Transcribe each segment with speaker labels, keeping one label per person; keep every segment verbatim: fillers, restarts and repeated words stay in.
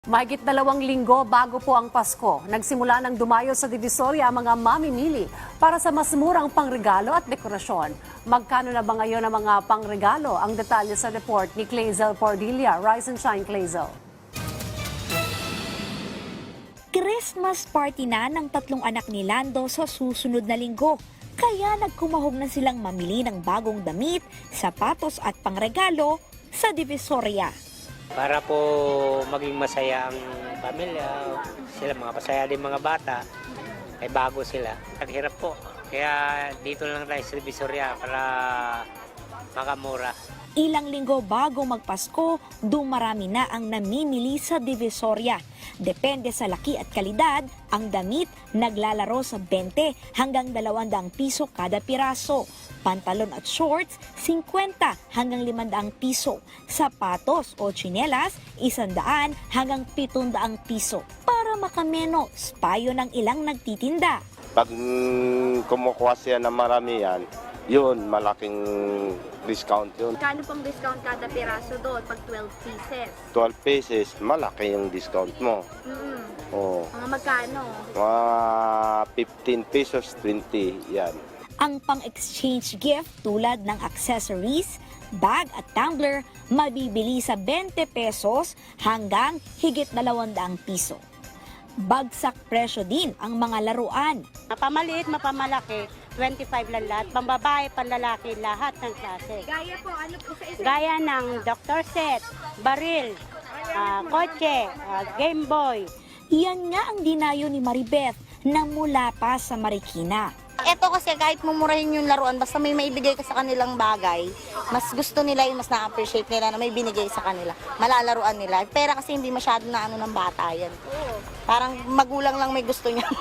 Speaker 1: Mahigit dalawang linggo bago po ang Pasko, nagsimula ng dumayo sa Divisoria ang mga mamimili para sa mas murang pangregalo at dekorasyon. Magkano na ba ngayon ang mga pangregalo? Ang detalye sa report ni Clazel Pordilla. Rise and shine, Clazel.
Speaker 2: Christmas party na ng tatlong anak ni Lando sa susunod na linggo. Kaya nagkumahog na silang mamili ng bagong damit, sapatos at pangregalo sa Divisoria.
Speaker 3: Para po maging masaya ang pamilya, sila mga pasaya din mga bata, ay bago sila. Naghirap po, kaya dito lang tayo sa Divisoria para makamura.
Speaker 2: Ilang linggo bago magpasko, dumarami na ang namimili sa Divisoria. Depende sa laki at kalidad, ang damit naglalaro sa twenty hanggang dalawang piso kada piraso. Pantalon at shorts, fifty hanggang limandang piso. Sapatos o tsinelas, isandaan hanggang pitundang piso. Para makamenos, payo ng ilang nagtitinda.
Speaker 4: Pag mm, kumukuha siya ng marami yan, yun, malaking discount yun.
Speaker 5: Kano pang discount kada piraso doon pag twelve pieces?
Speaker 4: twelve pieces, malaki yung discount mo.
Speaker 5: Mm-hmm.
Speaker 4: Oo.
Speaker 5: Mga magkano?
Speaker 4: Mga fifteen pesos, twenty, yan.
Speaker 2: Ang pang-exchange gift tulad ng accessories, bag at tumbler mabibili sa twenty pesos hanggang higit dalawang piso. Bagsak presyo din ang mga laruan.
Speaker 6: Mapamaliit, mapamalaki, twenty-five lang lahat. Pambabae, panlalaki, lahat ng klase.
Speaker 5: Gaya po, ano po sa isa?
Speaker 6: Gaya ng doctor set, baril, ah, kotse, ah, Game Boy.
Speaker 2: Yan nga ang dinayo ni Maribeth na mula pa sa Marikina.
Speaker 7: Ito kasi kahit mumurahin yung laruan, basta may maibigay ka sa kanilang bagay, mas gusto nila yun, mas na-appreciate nila na may binigay sa kanila. Malalaruan nila. Pera kasi hindi masyado na ano ng bata yan. Parang magulang lang may gusto niya.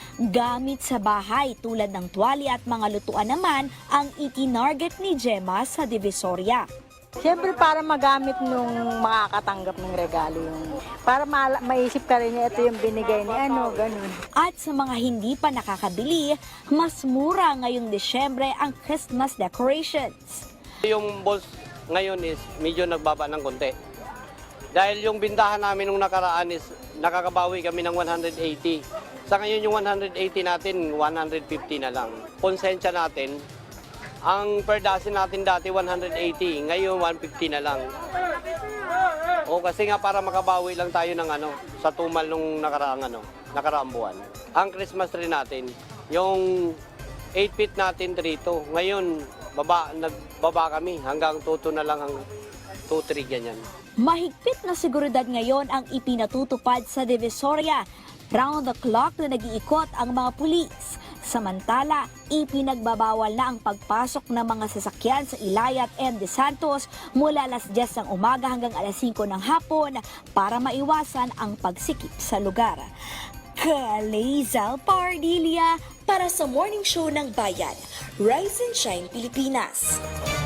Speaker 2: Gamit sa bahay tulad ng tuwalya at mga lutuan naman ang itinarget ni Gemma sa Divisoria.
Speaker 6: Siyempre para magamit nung makakatanggap ng regalo yung para ma- maisip ka rin ito yung binigay ni ano, ganun.
Speaker 2: At sa mga hindi pa nakakabili, mas mura ngayong Desyembre ang Christmas decorations.
Speaker 8: Yung balls ngayon is medyo nagbaba ng konti. Dahil yung bintahan namin nung nakaraan is nakakabawi kami ng one hundred eighty. Sa ngayon yung one hundred eighty natin, one hundred fifty na lang. Konsensya natin, ang per dozen natin dati one hundred eighty, ngayon one fifty na lang. O kasi nga para makabawi lang tayo ng ano, sa tumal nung nakaraang ano, nakaraang buwan. Ang Christmas tree natin, yung eight feet natin dito, ngayon baba, nagbaba kami hanggang two na lang, ang two three ganyan.
Speaker 2: Mahigpit na seguridad ngayon ang ipinatutupad sa Divisoria. Round the clock na nag-iikot ang mga pulis. Samantala, ipinagbabawal na ang pagpasok ng mga sasakyan sa Ilayat and De Santos mula alas diyes ng umaga hanggang alas singko ng hapon para maiwasan ang pagsikip sa lugar. Clazel Pardilla para sa Morning Show ng Bayan, Rise and Shine Pilipinas.